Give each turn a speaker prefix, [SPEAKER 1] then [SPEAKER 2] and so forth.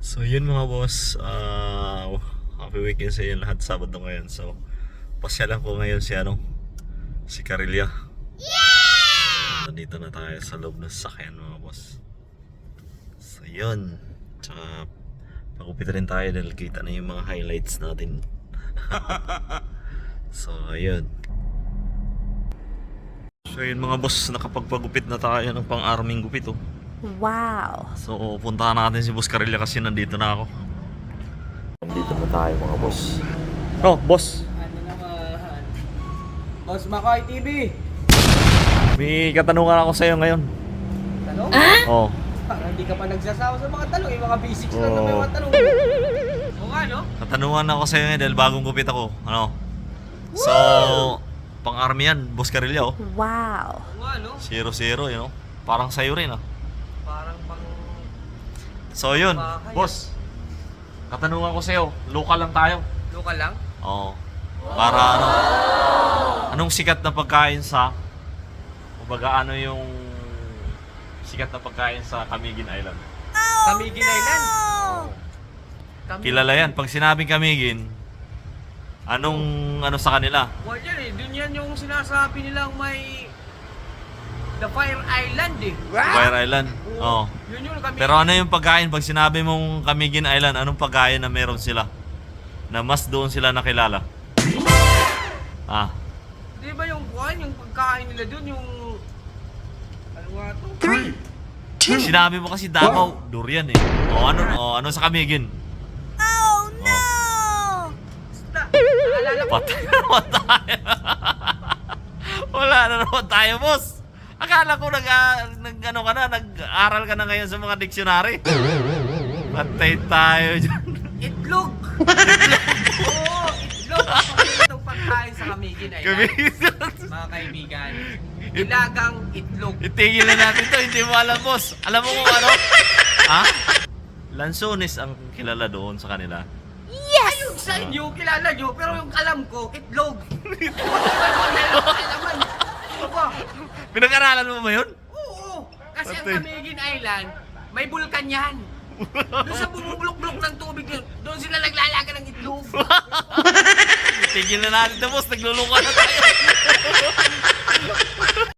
[SPEAKER 1] So yun mga boss, happy weekend sa inyo lahat. Sabado ngayon, so pasyalan ko ngayon si Carillia. Nandito na tayo sa loob ng sasakyan mga boss. So yun, tsaka pagupit rin tayo dahil kita na yung mga highlights natin. So ayun. So yun mga boss, nakapagpagupit na tayo ng pang-arming gupit oh.
[SPEAKER 2] Wow.
[SPEAKER 1] So puntahan natin si Boss Carillia kasi nandito na ako. Nandito na tayo mga boss. Oh, boss.
[SPEAKER 3] Ano naman? Boss Makoy TV!
[SPEAKER 1] May katanungan ako sa iyo ngayon.
[SPEAKER 3] Tanong?
[SPEAKER 1] Oh.
[SPEAKER 3] Parang hindi ka pa nagsasawa sa mga tanong. Yung mga basics lang na may
[SPEAKER 1] Oo.
[SPEAKER 3] mga tanong. Oo nga, no?
[SPEAKER 1] Katanungan ako sa iyo ngayon dahil bagong gupit ako. Ano? So, pang-army yan, Boss Carillia oh.
[SPEAKER 2] Wow.
[SPEAKER 3] Oo nga, no?
[SPEAKER 1] 0-0, you know. Parang sa'yo rin ah.
[SPEAKER 3] Parang pang...
[SPEAKER 1] So yun,
[SPEAKER 3] Bahay.
[SPEAKER 1] boss. Katanungan ko sa iyo, local lang tayo.
[SPEAKER 3] Local lang?
[SPEAKER 1] Oo. Para ano? Anong sikat na pagkain sa kumbaga ano yung sikat na pagkain sa Camiguin Island?
[SPEAKER 3] Camiguin Island? Camiguin.
[SPEAKER 1] Kilala yan. Pag sinabing Camiguin, anong ano sa kanila?
[SPEAKER 3] Well, yan eh. Dun yan yung sinasabi nilang may... The Fire Island eh.
[SPEAKER 1] Fire Island. Oo.
[SPEAKER 3] Yun yung Camiguin.
[SPEAKER 1] Pero ano yung pagkain? Pag sinabi mong Camiguin Island, anong pagkain na meron sila? Na mas doon sila nakilala? Ah.
[SPEAKER 3] Di ba yung kuhan, yung pagkain nila dun, yung... Ano nga to?
[SPEAKER 1] Sinabi mo kasi Davao, durian eh. Ano sa Camiguin?
[SPEAKER 2] Oh no!
[SPEAKER 3] Basta, naalala ko.
[SPEAKER 1] Patay na naman tayo. Wala na naman tayo, boss. Akala ko nag-aral ka na ngayon sa mga dictionary. Patay tayo dyan.
[SPEAKER 3] Itlog! Oo, itlog! Itong pagkain sa Camiguin Island. Mga kaibigan, ilagang itlog.
[SPEAKER 1] Itigil na natin to, hindi mo alam, boss. Alam mo kung ano? Ha? Lansones ang kilala doon sa kanila.
[SPEAKER 3] Ayun sa inyo, kilala nyo, pero yung alam ko, itlog. Alaman. Aba,
[SPEAKER 1] Pinag-aralan mo ba yun?
[SPEAKER 3] oo. Kasi ang
[SPEAKER 1] Patay.
[SPEAKER 3] Camiguin Island, may bulkan yan. Doon sa bumubulok-bulok ng tubig yun, doon sila naglalaga ng itlog.
[SPEAKER 1] Itigil na natin to, boss. Nagluluka na tayo.